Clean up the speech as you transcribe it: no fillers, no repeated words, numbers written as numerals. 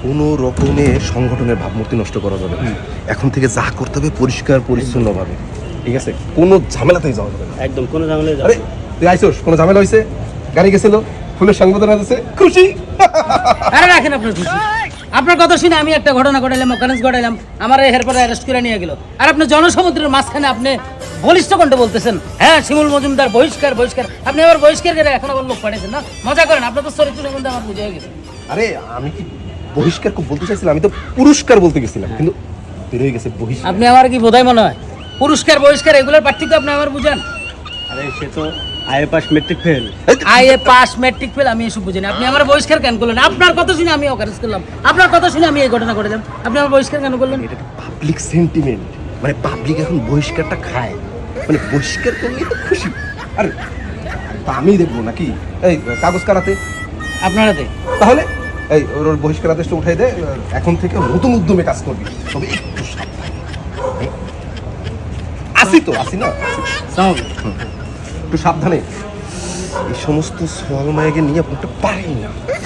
কোনো রকমের সংগঠনের ভাবমূর্তি নষ্ট করা যাবে না। এখন থেকে যা করতে হবে পরিষ্কার পরিচ্ছন্নভাবে, ঠিক আছে? কোনো ঝামেলাতেই যাওয়া যাবে না। একদম কোনো ঝামেলা যাবে আরে না। তুই আইসোস, কোনো ঝামেলা হয়েছে? গাড়ি গেছিল, ফুলের সংবর্ধনা আছে, খুশি? আরে রাখেন আপনার খুশি। আপনার কথা শুনে আমি একটা ঘটনা ঘটাইলাম, অকারেন্স ঘটাইলাম, আমার এরপরে অ্যারেস্ট করে নিয়ে গেল। আর আপনি জনসমুদ্রের মাঝখানে আপনি বলিষ্ঠ কণ্ঠে বলতেছেন হ্যাঁ শিমুল মজুমদার বহিষ্কার বহিষ্কার। আপনি আবার বহিষ্কার করে এখন আবার লোক পাঠিয়েছেন না? মজা করেন, আপনার তো চরিত্র সম্বন্ধে আমার বুঝে গেছে। আরে আমি কি বহিষ্কার বলতে চাইছিলাম? আমি তো পুরস্কার বলতে গেছিলাম, কিন্তু বেরোয় গেছে বহিষ্কার। আপনি আমার কি বোধাই মনে হয়? পুরস্কার বহিষ্কার এগুলোর পার্থক্য আপনি আমার বুঝান। আরে সে তো IA pass matric fail. IA pass matric fail আমি এসব বুঝিনি। আপনি আমার বহিষ্কার কেন করলেন? আপনার কথা শুনে আমি অকারেন্স করলাম, আপনার কথা শুনে আমি এই ঘটনা ঘটালাম, আপনি আমার বহিষ্কার কেন করলেন? এটা পাবলিক সেন্টিমেন্ট, মানে পাবলিক এখন বহিষ্কারটা খায়, মানে বহিষ্কার করলেই তো খুশি। আরে তা আমি দেখবো নাকি? এই কাগজ কারাতে আপনার হাতে তাহলে এই ওর বহিষ্কার আদেশটা উঠাই দে। এখন থেকে নতুন উদ্যমে কাজ করবি, তবে একটু সাবধানে। আসি তো, আসি না, একটু সাবধানে। এই সমস্ত সলমায়কে নিয়ে আপনি পারি না।